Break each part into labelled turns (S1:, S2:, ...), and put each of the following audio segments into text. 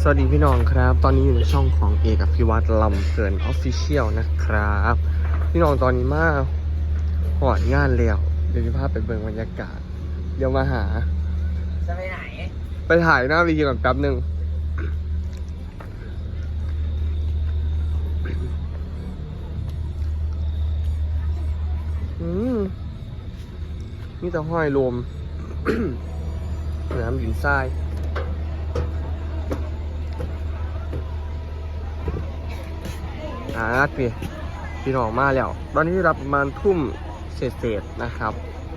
S1: วัสดีพี่น้องครับตอนนี้อยู่ในช่องของเอกอภิวัตรลำเพลินออฟฟิเชียลนะครับพี่น้องตอนนี้มาหอดงานแล้วเดี๋ยวจะพาไปเบิ่งบรรยากาศเดี๋ยวมาหา
S2: จะไปไหน
S1: ไปถ่ายหน้าวีดีก่อนแป๊บหนึ่งนี่จะห้อยรวม น้ำหินทรายพี่น้องมาแล้วตอนนี้รับประมาณทุ่มเศษนะครับ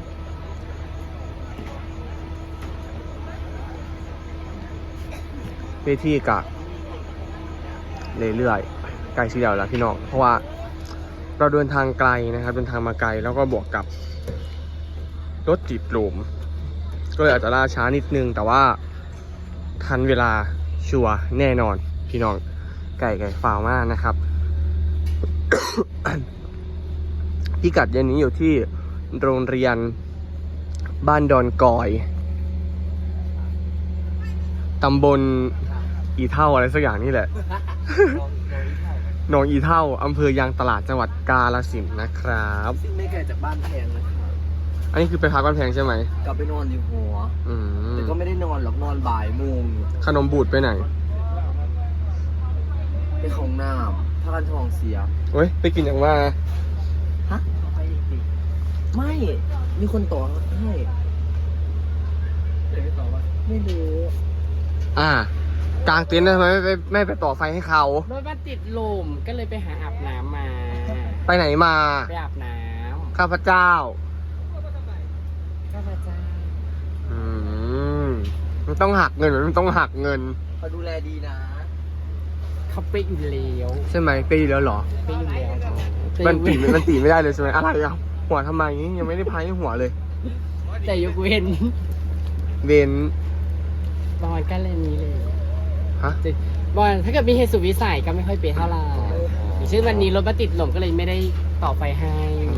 S1: เวทีกะเรื่อยๆไกลเสียวแล้วพี่น้องเพราะว่าเราเดินทางไกลนะครับเดินทางมาไกลแล้วก็บวกกับรถติดลมก็เลยอาจจะล่าช้านิดนึงแต่ว่าทันเวลาชัวร์แน่นอนพี่น้องไก่ฟาวมากนะครับ พิกัดเย็นนี้อยู่ที่โรงเรียนบ้านดอนกอยตำบลอีเท่าอะไรสักอย่างนี่แหละ หนองอีเท่าอำเภอยางตลาดจังหวัดกาฬสินธุ์นะครับ
S2: ซึ่งไม่ไกลจากบ้านแพงนะครับ
S1: อันนี้คือไปพักบ้านแพงใช่ไหม
S2: กลับไปนอนอยู่หัวแต่ก็ไม่ได้นอนหรอกนอนบ่ายโมง
S1: ขนมบูดไปไหน
S2: ไปของน้ำพากันทองเสีย
S1: เว้ยไปกินอย่างว่า
S2: ฮะไม่มีคนต่อให้ไม่ต่อว่าไม่รู้
S1: กลางเต็นท์ทำไมไม่ไปต่อไฟให้เขา
S3: รถมันติดลมก็เลยไปหาอาบน้ำมา
S1: ไปไหนมา
S3: ไปอาบน้ำ
S1: ข้าพเจ้ามันต้องหักเงินมันต้องหักเงิน
S2: เขาดูแลดีนะ
S3: เขาไปอยู่แล้ว
S1: ใช่ไหมไปอยู่แล้วเหรอ
S3: ไปอยู่แล้ว
S1: มันตีไม่ได้เลยใช่ไหมอะไรอ่ะหัวทำไมยังไม่ได้พายหัวเลย
S3: แต่ยกเว้นบอลก็เลยนี้เลย
S1: ฮะ
S3: บอลถ้าเกิดมีเหตุสุดวิสัยก็ไม่ค่อยเปย์เท่าไหร่อย่างเช่นวันนี้รถมาติดลมก็เลยไม่ได้ต่อไฟให้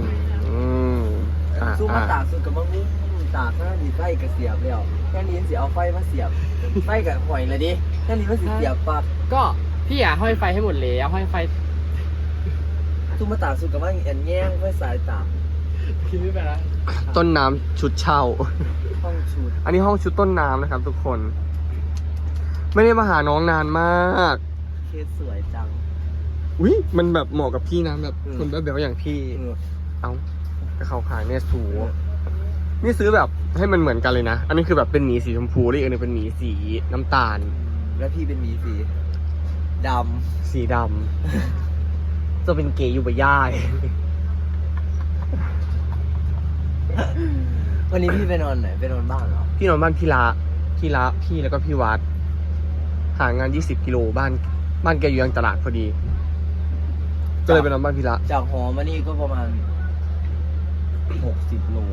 S2: สู้มาตากสุดกับมะม่วงตากหน้าดีไฟกับเสียบแล้วแค่นี้เสียเอาไฟมาเสียบไฟกับหอยเลยดิแค่นี้มันเสียบปั๊บ
S3: ก็พี่ห้อยไฟให้หมดเลยห้อยไฟ
S2: สู้มาตากสุดกับว่าแง่งเพื่อสายตาก
S3: คิดไม่ไปแล้ว
S1: ต้นน้ำชุดเช่า
S2: ห้องชุด
S1: อันนี้ห้องชุดต้นน้ำนะครับทุกคนไม่ได้มาหาน้องนานมาก
S2: เคสสวยจัง
S1: อุ้ยมันแบบเหมาะกับพี่นะแบบคนแบบอย่างพี่เอ้ากระเขาขายเนี่ยสูนี่ซื้อแบบให้มันเหมือนกันเลยนะอันนี้คือแบบเป็นหมีสีชมพูแล้วอีกอันนึงเป็นหมีสีน้ำตาล
S2: แล้วพี่เป็นหมีสีด
S1: ำจะเป็นเกย์อยู่บ่ย่าย
S2: วันนี้พี่ไปนอนไหนไปนอนบ้านเหรอ
S1: พี่นอนบ้านพี่แล้วก็พี่วัดห่างงาน20 กิโลบ้านแกอยู่ยังตลาดพอดีก็เลยไปนอนบ้านพี่ละ
S2: จากหอมานี่ก็ประมาณ60 โล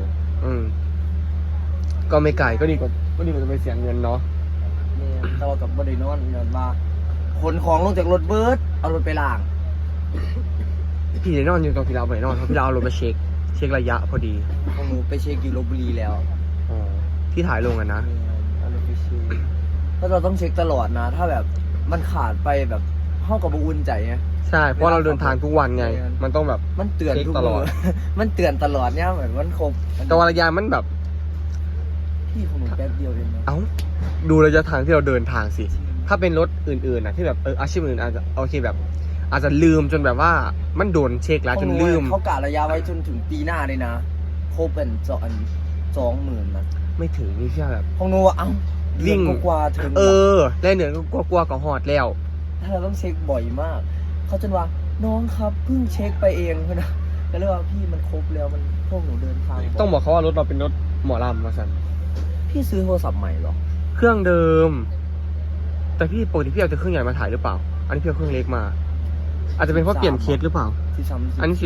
S1: ก็ไม่ไกลก็ดีกว่าจะไปเสียเงินเนาะ
S2: เนี่ยแต่ว่ากับบริโนอนเงินว่าขนของลงจากรถเบิร์ดเอารถไปล้าง
S1: พี่ได้นอนอยู่ตรงพี่เราไปนอนเพราะพี่เราเอารถมาเช็คระยะพอดี
S2: ของหนูไปเช็คอยู่ลพบุรีแล้ว
S1: ที่ถ่ายลงกันนะ
S2: เอารถไปเช็คถ้าเราต้องเช็คตลอดนะถ้าแบบมันขาดไปแบบเข้ากับอุ่นใจไง
S1: ใช่เพราะเราเดินทางทุกวันไงมันต้องแบบ
S2: มันเตือนทุกตลอดมันเตือนตลอดเนี่ยเหมือนมันครบ
S1: แต่ว่าระยะมันแบบ
S2: พี่ของหนูแป๊บเดียวเองนะ
S1: ดูระยะทางที่เราเดินทางสิถ้าเป็นรถอื่นๆนะที่แบบอาชีพอื่นอาจจะโอเคแบบอาจจะลืมจนแบบว่ามันโดนเช็คแล้วจนลืม
S2: เขากะระยะไว้จนถึงปีหน้าเลยนะครบเป็น20,000นะ
S1: ไม่ถึงนี่ใช่แบบ
S2: ของหนู
S1: วิ่ง
S2: กว่าถึง
S1: แล่เหนือก็กลัวกับหอดแล้ว
S2: ถ้าเราต้องเช็คบ่อยมากเขาจนว่าน้องครับเพิ่งเช็คไปเองนะก็เลยว่าพี่มันครบแล้วมันพวกหนูเดินทาง
S1: ต้องบอกเขาว่ารถเราเป็นรถหมอลำมาสั่น
S2: พี่ซื้อโทรศัพท์ใหม่หรอ
S1: เครื่องเดิมแต่พี่ปกติพี่เอาแต่เครื่องใหญ่มาถ่ายหรือเปล่าอันนี้พี่เอาเครื่องเล็กมาอาจจะเป็นเพราะเปลี่ยนเคสหรือเปล่าอันนี้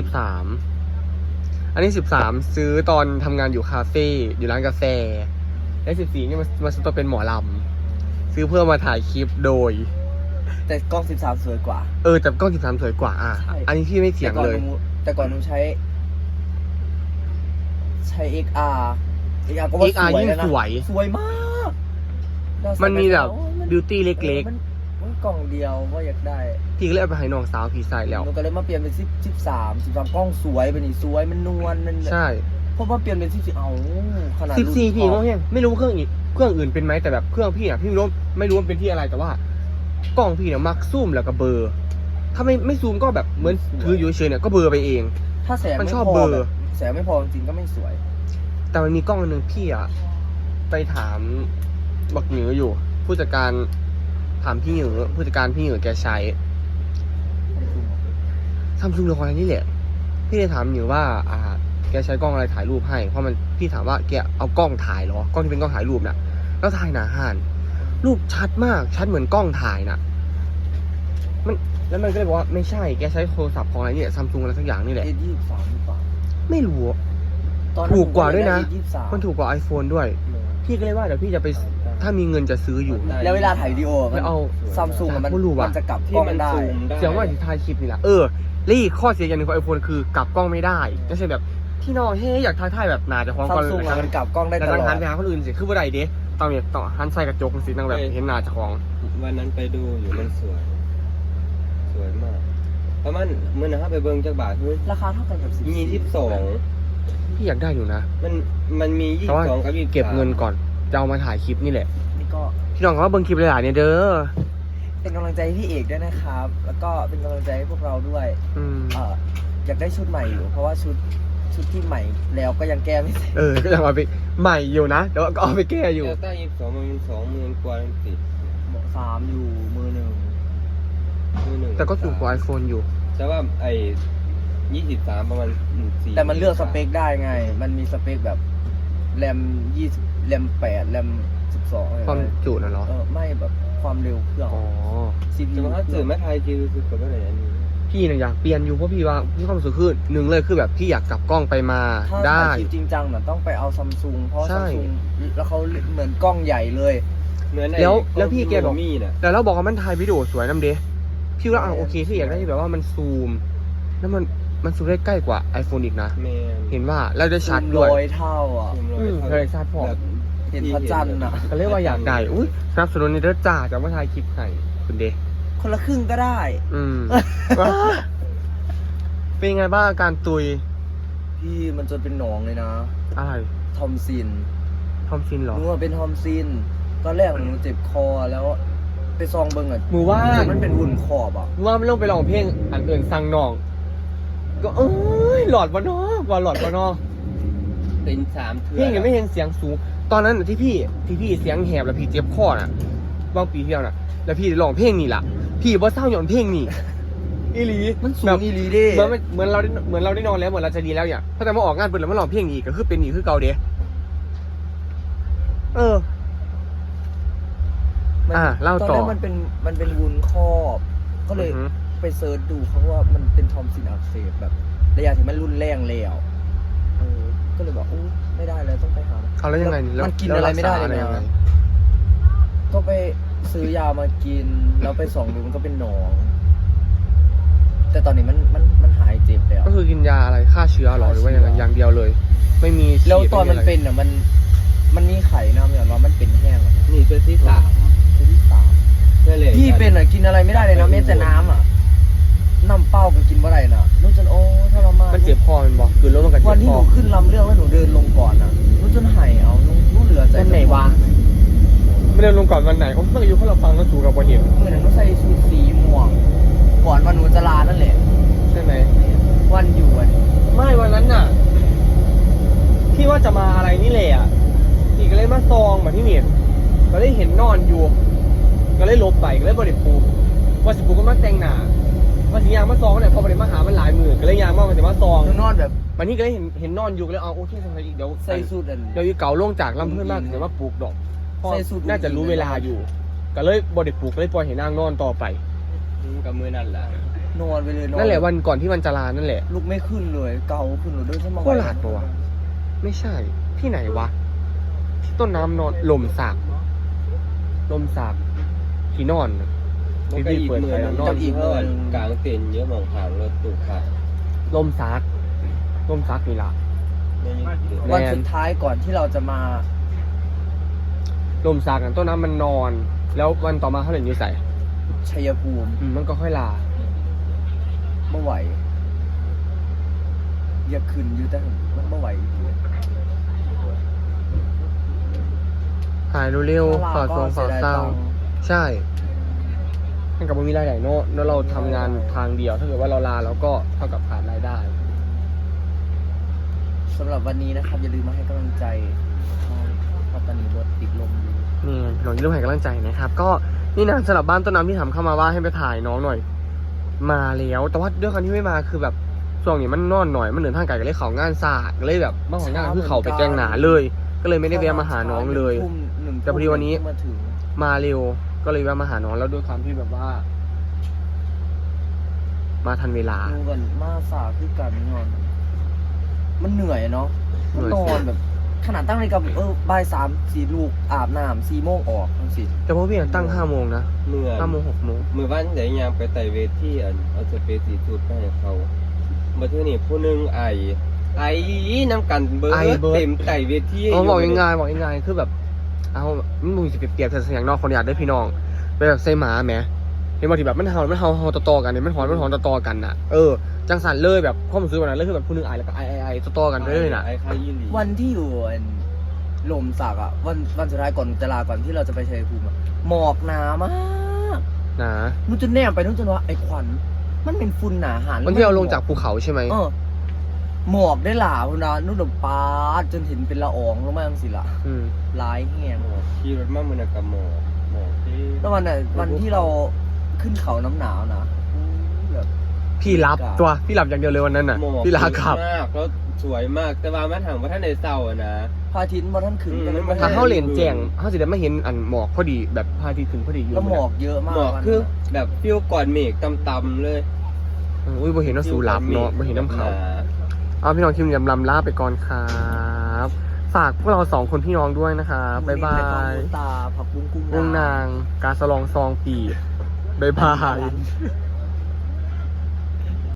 S1: 13ซื้อตอนทำงานอยู่คาเฟ่อยู่ร้านกาแฟและ14นี่มาซื้อตัวเป็นหมอลำซื้อเพื่อมาถ่ายคลิปโดย
S2: แต่กล้อง13สวยกว่า
S1: แต่กล้อง13สวยกว่าอันนี้พี่ไม่เถียงเลย
S2: แต่ก่อนหนูใช้ XR ก็ว่าสวยนะ
S1: สวย
S2: มาก
S1: มันมีแบบบิวตี้เล็ก
S2: ๆมันกล่องเดียวว่าอยากได้
S1: พี่ก็เลยเอาไปให้น้องสาวพี่ใส่แล้ว
S2: หนูก็เลยมาเปลี่ยนเป็น13กล้องสวยเป็นนี่สวยมันนวลมัน
S1: ใช่
S2: เพราะว่าเปลี่ยนเป็น14เอาขนาด
S1: 14พี่ก็เพียงไม่รู้ว่าเครื่องอื่นเป็นไหมแต่แบบเครื่องพี่อ่ะพี่ไม่รู้ว่าเป็นที่อะไรแต่ว่ากล้องพี่เนี่ยมักซูมแล้วก็เบลอร์ถ้าไม่ซูมก็แบบเหมือนถืออยู่เฉยๆเนี่ยก็เบลอร์ไปเอง
S2: ถ้าแสง
S1: มัน
S2: ไม่
S1: ชอบ
S2: พอ
S1: เบลอ
S2: แบบแสงไม่พอจริงๆก็ไม่สวย
S1: แต่มันมีกล้องอันหนึงพี่อ่ะไปถามบักหนืออยู่ ผู้จัดการถามพี่หนือผู้จัดการพี่หนือแกใช้ซัมซุงเรื่องอะไรนี่แหละพี่เลยถามหนือว่าแกใช้กล้องอะไรถ่ายรูปให้เพราะมันพี่ถามว่าแกเอากล้องถ่ายเหรอกล้องที่เป็นกล้องถ่ายรูปน่ะแล้วถ่ายหนาห่านรูปชัดมากชัดเหมือนกล้องถ่ายน่ะแล้วมันก็เลยบอกว่าไม่ใช่แกใช้โทรศัพท์ของอะไรเนี่ยซัมซุงอะไรสักอย่างนี่แหละ
S2: A23หรือเปล่า
S1: ไม่รู้
S2: ตอน
S1: ถูกกว่าด้วยนะ
S2: A23
S1: มันถูกกว่า iPhone ด้วย พี่ก็เลยว่าเดี๋ยวพี่จะไปถ้ามีเงินจะซื้ออยู่
S2: แล้วเวลาถ่ายวิดีโอ
S1: ไม่เอา
S2: ซัมซุงมัน
S1: ไม่รู้ว่ะ
S2: จะกลับกล้องได้
S1: เสียงว่าที่ถ่ายคลิปนี่แหละแล้วอีกข้อเสียอย่างหนึ่งของ iPhone คือกลับกล้องไม่ได้ก็เช่นแบบที่นอนอยากถ่ายแบบหนาจะคล้อง
S2: ซั
S1: ก่
S2: ม
S1: อน
S2: ซุงมันกลับกล้องได้
S1: แต่
S2: ตล
S1: นั่ง
S2: อ
S1: หั
S2: ด
S1: นไปหาคนอื่นสิคือว่าใดเด้ต้องหันใส่กระจกสินั่งแบบเห็นหน้าเจ้าของ
S4: วันนั้นไปดูอยู่มันสวย สวยมากประมาณเมื่อนะครับไปเบิ่งจากบาทคือ
S2: ราคาเท่ากันกับ
S4: 22
S1: พี่อยากได้อยู่นะ
S4: มันมี
S1: แต่ว่า
S4: 22กับ23
S1: เก็บเงินก่อนจะเอามาถ่ายคลิปนี่แหละ
S2: นี่ก็
S1: พี่น้องเขาเบิ่งคลิปหลายๆเนี่ยเด้อ
S2: เป็นกำลังใจให้พี่เอกด้วยนะครับ แล้วก็เป็นกำลังใจให้พวกเราด้วย อยากได้ชุดใหม่อยู่ เพราะว่าชุดที่ใหม่แล้วก็ยังแก้ไม่เสร็จ
S1: ก็ยังเอาไปใหม่อยู่นะเดี๋ยวก็เอาไปแก้อยู่
S4: เดลต้า22มัน20,000กว่าจังซี่
S2: 3อยู่มือหนึ่ง
S4: มือหนึ่ง
S1: แต่ก็ถูกกว่า iPhone อยู่
S4: แต่ว่าไอ้23ประมาณ4
S2: แต่มันเลือกสเปคได้ไง มันมีสเปคแบบแรม20แรม8แรม12อะไร
S1: ความจุน่ะเหรอ
S2: ไม่แบบความเร็วเครื่อง
S1: อ๋อ
S2: CPU
S4: จะมาสื่อแม่ไทยคือกับอะไรอันนี้
S1: พี่เนี่ยอยากเปลี่ยนอยู่เพราะพี่ว่าพี่ความรู้สึกคือหนึ่งเลยคือแบบพี่อยากกลับกล้องไปมา
S2: ถ้า
S1: ได้
S2: ถ่ายคลิปจริงจังน่ะต้องไปเอาซัมซุงเพราะ
S1: ใช่
S2: ซัมซุงแล้วเขาเหมือนกล้องใหญ่เลย
S4: เหมือนไอ้
S1: แล้วพี่แกบอก
S4: มีน่ะ
S1: แต่เราบอกว่ามันถ่ายวิดีโอสวยน้ำเด้พี่ว่าโอเคพี่อยากได้ที่แบบว่ามันซูมแล้วมันซูมได้ใกล้กว่า iPhone อีกนะ
S4: แม่น
S1: เห็นว่าแล้วได้ชัดด้วย
S2: ร้อยเท่าอ่ะ
S1: เคยทราบพอ
S4: แบบ
S2: เห็นพระจันทร์อ่ะ
S1: ก็เรียกว่าอยากได้อุ้ยสนับสนุนในเด้อจ่าจะมาถ่ายคลิปให้คุณเด
S2: คนละครึ่งก็ได้
S1: เป็นไงบ้างอาการตุย
S2: พี่มันจนเป็นหนองเลยนะ
S1: อะไร
S2: ทอมซิน
S1: ทอมซินเหรอ
S2: หนูว่าเป็นทอมซินตอนแรกหนูเจ็บคอแล้วไปซองเบิ้งอ่ะ
S1: มือว่า
S2: มันเป็นหุ่นขอบอ่ะ
S1: มือว่าไม่ต้องไปร้องเพลงอันอื่นสั่งน้อง ก็หลอดวะเนาะว่าหลอดวะเนาะ
S4: เป็น3เทื่อ
S1: เพลงยังไม่เห็นเสียงสูง ตอนนั้นน่ะที่พี่เสียงแหบแล้วพี่เจ็บคอน่ะบางปีที่แล้วน่ะ แล้วพี่ร้องเพลงนี่ล่ะ พี่บ่เศร้าหย่อนเพลงนี่อีหลี
S2: มันสู
S1: แบ
S2: ง
S1: บ
S2: อีหลีเด้
S1: เหมือนเราได้นอนแล้วเหมือนเราจะดีแล้วเนี่ยพอแต่มาออกงานเปิดแล้วมาร้องเพลงอีกก็คือเป็นอีกคือเก่าเด้เล่าต่อ
S2: ตอนนั้นมันเป็นวุ้นครอบ ก็เลย
S1: อือฮึ
S2: ไปเซิร์ชดูเขาว่ามันเป็นทอมซินอักเสบแบบระยะที่มันรุนแรงแล้วก็เลยบอกไม่ได้แล้วต้องไปหา
S1: เอาแล้วยังไง
S2: มันกินอะไรไม่ได้เลย
S1: ยังไง
S2: นะก็ไปซื้อยามากิน แล้วไปส่องดูมันก็เป็นหนอง แต่ตอนนี้มันหายเจ็บแล้ว
S1: ก็คือกินยาอะไรฆ่าเชื้อหรอหรือว่ายังไงอย่างเดียวเลย ไม่มี
S2: แล้วตอนมัน
S1: ฉีด
S2: เป็นอ่ะมันมีไข่นะเหมือนว่ามันเป็นแห้งอะ
S4: นี่ตัวที่3
S2: ตัวที่3
S4: ใช่เลย
S2: พี่เป็นอ่ะกินอะไรไม่ได้เลยนะแม้แต่น้ำอ่ะน้ำเปล่าก็กินบ่ได้น่ะรู้จนทรมาน
S1: มันเจ็บคอมันบอกคือแล้วมันก็เจ็
S2: วัน
S1: บ
S2: ที่
S1: ค
S2: ห
S1: อ
S2: นูขึ้นลำเรื่องแล้วหนูเดินลงก่อนอ่ะรู้จนหายเอารู้เหลือใจ
S1: วันไหนวะไม่ได้ลงก่อนวันไหนผมเพิ่งอายุเขาเราฟังแล้วสูกับวันเห็น
S2: เมื่อนั้นหนูใส่ชุดสีม่วงก่อนวันหนูจะลานั่นแหละ
S1: ใช่ไหม
S2: วันอยู่วัน
S1: ไม่วันนั้นน่ะพี่ว่าจะมาอะไรนี่แหละพี่ก็เลยมาซองมาที่เมียนก็เลยเห็นนอนอยู่ ก็เลยลบไปก็เลยบริปูว่าสิปูก็มาแต่งหน้าว่าสิยางมาซองเนี่ยพอบริมาหามันหลายมือก็เลยยางมาแต่มาซอง
S2: หนูนอนแบบ
S1: วันนี้ก็เลยเห็นนอนอยู่ก็เลยเอาโอเคทำอะไรอีกเดี๋ยว
S2: ใส่สูทอัน
S1: เดี๋ยวอีเก่าลงจากลำเพื่อนมากเดี๋ยวมาปลูกดอกพ่อ
S2: ใส่สูท
S1: น่าจะรู้เวลาอยู่ ก็เลยบริปลูกก็เลยปล่อยให้นางนอนต่อไป
S4: กับมือนั่นแหละ
S2: นอนไปเลยนอน
S1: นั่นแหละวันก่อนที่วันจะลานั่นแหละ
S2: ลุกไม่ขึ้นเลยเกาขึ้นหนูเดินขึ้นมา
S1: โคราชปะวะ ไม่ใช่ ที่ไหนวะ ที่ต้นน้ำนอนลมสากที่นอนน่ะ
S4: มันก็อีกมือนึง
S1: นอน
S4: อีกเพื่อนกลางเต็นท์เยอะมองผ่านรถตู้ผ่าน
S1: ลมซักนี่ล่ะ
S4: ไม่ยึดติด
S2: วันสุดท้ายก่อนที่เราจะมา
S1: ลมซักนั่นต้นน้ำมันนอน แล้ววันต่อมาเขาเห็นอยู่ใส่
S2: ชัยภูมิ
S1: มันก็ค่อยลา
S2: เมื่อไหวอยากขึ้นอยู่แต่มันเมื่อไหว
S1: หายเร็วๆฝากทรงฝากเศร้าใช่มันกับมันมีรายได้เนอะแล้วเราทำงานทางเดียวถ้าเกิดว่าเราลาเราก็เท่ากับขาดรายได้
S2: สำหรับวันนี้นะครับอย่าลืมมาให้กำลังใจเพราะตอนนี้รถติดลมอยู่
S1: นี่หลวงที่ร่วมให้กำลังใจนะครับ ก็นี่นะสำหรับบ้านต้นน้ำที่ถามเข้ามาว่าให้ไปถ่ายน้องหน่อย มาแล้วแต่ว่าด้วยความที่ไม่มาคือแบบช่วงนี้มันนอนหน่อยมันเหนือทางไกลก็เลยเขางานศาสตร์ก็เลยแบบมาของงานคือเขาไปแจ้งหนาเลย ก็เลยไม่ได้แวะมาหาน้องเลย แต่พอดีวันนี้
S2: มาถึง
S1: มาเร็วก็เลยแวะมาหาน้องแล้วด้วยความที่แบบว่า มาทันเวลา
S2: ดูกันมาสาคือกันนอน มันเหนื่อยเนาะ
S1: เหนื่
S2: มัน
S1: อย
S2: นอนแบบ ขนาดตั้งนาฬิกาบ่าย3-4ลูกอาบน้ำ4 โมงออกทั้งสิ
S1: แต่พวกพี่ตั้ง5 โมงนะ
S4: เมื่อ
S1: 5 โมง 6 โมง
S4: มือบ้านไหนยางไปไต่เวทีเอาสเปซสีสูตรไปให้เขามาเที่ยวนี่ผู้หนึงไอน้ำกันเบิร์
S1: ไอ
S4: ด
S1: เบิร์ด
S4: เต็มไต่เวที
S1: บอกยังไงบอกยังไงคือแบบเอามันมึงสิเปรียบแต่เสียงนอกคนอยากได้พี่น้องเป็นแบบไส้หมาแหมเห็นบางทีแบบมันเห่าต่อๆกันเนี่ยมันหอนต่อๆกันน่ะจังสันเลยแบบข้อมือซื้อวันนั้นเลยคือแบบผู้หนึงไอแล้วก็ไอต่อๆกันไปเลยน่ะ
S4: ไอคายี่หลี
S2: วันที่อยู่ลมสักอ่ะวันสุดท้ายก่อนจะลาก่อนที่เราจะไปชัยภูมิอะหมอกหนามาก
S1: นะ
S2: นู้นจนแนมไปนู้นจนว่าไอ้ควันมันเป็นฝุ่นหนาหา
S1: วันที่เราลงจากภูเขาใช่ไหม
S2: หมอกได้หลาพุ่นนะนู่นแบบปาดจนเห็นเป็นละอองลงมาจังสิล่ะ
S1: อืม
S2: ร้ายแห้ง
S4: ขี่รถมาเมื่อนักกับหมอที่
S2: แล้ววันที่เราขึ้นเขาน้ำหนาวนะแบบ
S1: พี่รับตัวพี่รับอย่างเดียวเลยวันนั้นน่ะ
S4: หมอก
S1: พี่ลาขับ
S4: มากแล้วสวยมากแต่ว่ามันถามว่าท่านในเศร้าอะนะ
S2: พระอาทิตย์มาท่านขึ้นกัน
S4: อืม
S1: ถ้าเข้าเลนแจ้งเขาจะได้ไม่เห็นอันหมอกพอดีแบบพระอาทิตย์ขึ้นพอดีอยู่
S2: แล้วหมอกเยอะมาก
S4: หมอก
S2: วันนั้น
S4: คือแบบฟิวก่อนเมฆต่ำๆเลย
S1: อุ้ยบ่เห็นว่าสูรับเนาะบ่เห็นน้ำเขาเอาพี่น้องคิมยำลำลาไปก่อนครับฝากพวกเรา2 คนพี่น้องด้วยนะครับบ๊ายบา
S2: ในกอง
S1: ย
S2: มูตาผักบุ้งกุ้ง
S1: วงนางการสลองซองปีบ๊ายบาย
S2: ย